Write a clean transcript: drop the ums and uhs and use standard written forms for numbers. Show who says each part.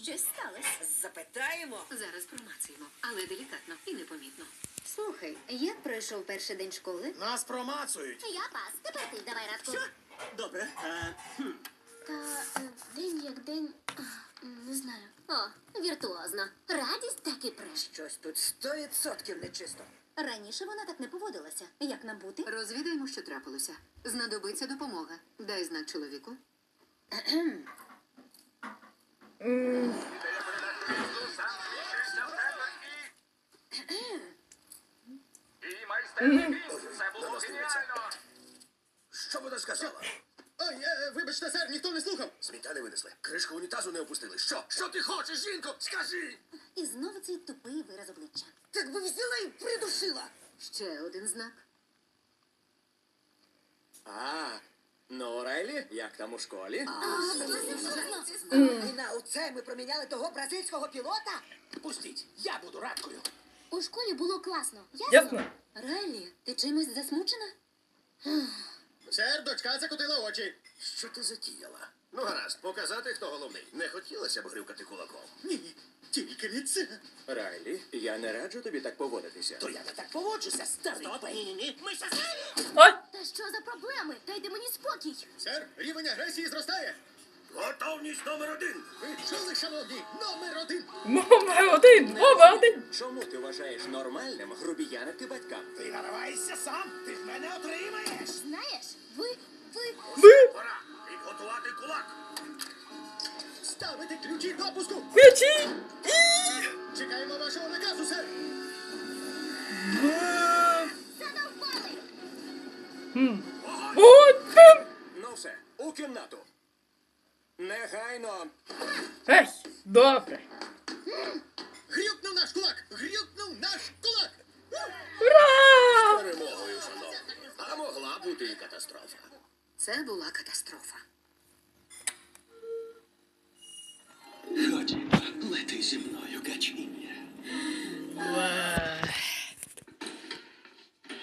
Speaker 1: Щось сталося.
Speaker 2: Запитаємо.
Speaker 3: Зараз промацаємо, але делікатно і непомітно.
Speaker 1: Слухай, як пройшов перший день школи?
Speaker 4: Нас промацують.
Speaker 5: Я пас. Тепер ти давай Радку.
Speaker 2: Добре.
Speaker 5: День як день. Не знаю. О, віртуозно. Радість так і преш.
Speaker 2: Щось тут 100% нечисто.
Speaker 1: Раніше вона так не поводилася. Як нам бути?
Speaker 3: Розвідаємо, що трапилося. Знадобиться допомога. Дай знак чоловіку.
Speaker 6: І майстерний кріс. Це було геніально.
Speaker 4: Що вона сказала? Ой, вибачте, сер, ніхто не слухав. Сміття не винесли. Кришку унітазу не опустили. Що? Що ти хочеш, жінко? Скажи!
Speaker 1: І знову цей тупий вираз обличчя.
Speaker 2: Так би взяла і придушила.
Speaker 3: Ще один знак.
Speaker 4: Ну, Райлі, як там у школі?
Speaker 2: І на оце ми проміняли того бразильського пілота?
Speaker 4: Пустіть, я буду радкою.
Speaker 5: У школі було класно.
Speaker 7: Ясно?
Speaker 1: Райлі, ти чимось засмучена?
Speaker 4: Сер, дочка закотила очі. Що ти затіяла? Ну, гаразд, показати, хто головний. Не хотілося б грюкати кулаком. Ні, тільки не це.
Speaker 8: Райлі, я не раджу тобі так поводитися.
Speaker 4: То я не так поводжуся, старий. Ні. Ми щасливі.
Speaker 7: Ой!
Speaker 5: Та що за проблеми? Дайте мені спокій.
Speaker 4: Сер, рівень агресії зростає. Готовність номер 1. Ви чули, шановні? Номер 1.
Speaker 7: Номер один!
Speaker 8: Чому ти вважаєш нормальним грубіянити батькам?
Speaker 4: Ти нариваєшся сам, ти в мене отримаєш.
Speaker 5: Знаєш, ви...
Speaker 4: Пора підготувати кулак. Ставити ключі допуску.
Speaker 7: Ключі!
Speaker 4: Чекаємо вашого наказу, сер.
Speaker 5: Задовбали!
Speaker 8: Ну все, у кімнату. Негайно.
Speaker 7: Ей, добре.
Speaker 4: Грюкнув наш кулак! Грюкнув наш кулак!
Speaker 7: Ура!
Speaker 4: Перемогою, шановні. А могла бути і катастрофа.
Speaker 3: Це була катастрофа.